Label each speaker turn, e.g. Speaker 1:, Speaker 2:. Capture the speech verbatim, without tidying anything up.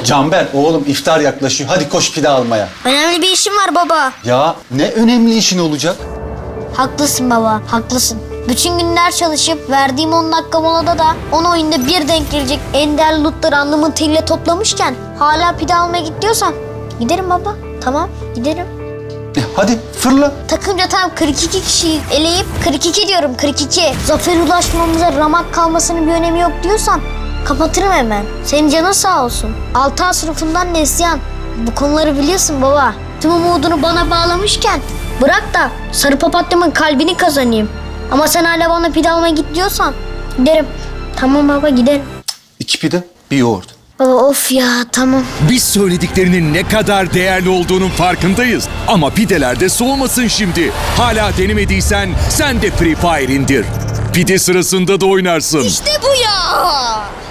Speaker 1: Canber oğlum iftar yaklaşıyor. Hadi koş pide almaya.
Speaker 2: Önemli bir işim var baba.
Speaker 1: Ya ne önemli işin olacak?
Speaker 2: Haklısın baba, haklısın. Bütün günler çalışıp verdiğim on dakika molada da on oyunda bir denk gelecek ender lootları alnımın teriyle toplamışken hala pide almaya git diyorsan giderim baba. Tamam, giderim.
Speaker 1: E, hadi fırla.
Speaker 2: Takımca tam kırk iki kişiyi eleyip kırk iki diyorum kırk iki. Zafer ulaşmamıza ramak kalmasının bir önemi yok diyorsan kapatırım hemen. Senin canın sağ olsun. altı A sınıfından Neslihan. Bu konuları biliyorsun baba. Tüm umudunu bana bağlamışken bırak da sarı papatyamın kalbini kazanayım. Ama sen hala bana pide almaya git diyorsan giderim. Tamam baba giderim.
Speaker 1: İki pide, bir yoğurt.
Speaker 2: Baba of ya tamam.
Speaker 3: Biz söylediklerinin ne kadar değerli olduğunun farkındayız. Ama pideler de soğumasın şimdi. Hala denemediysen sen de Free Fire indir. Pide sırasında da oynarsın.
Speaker 2: İşte bu ya.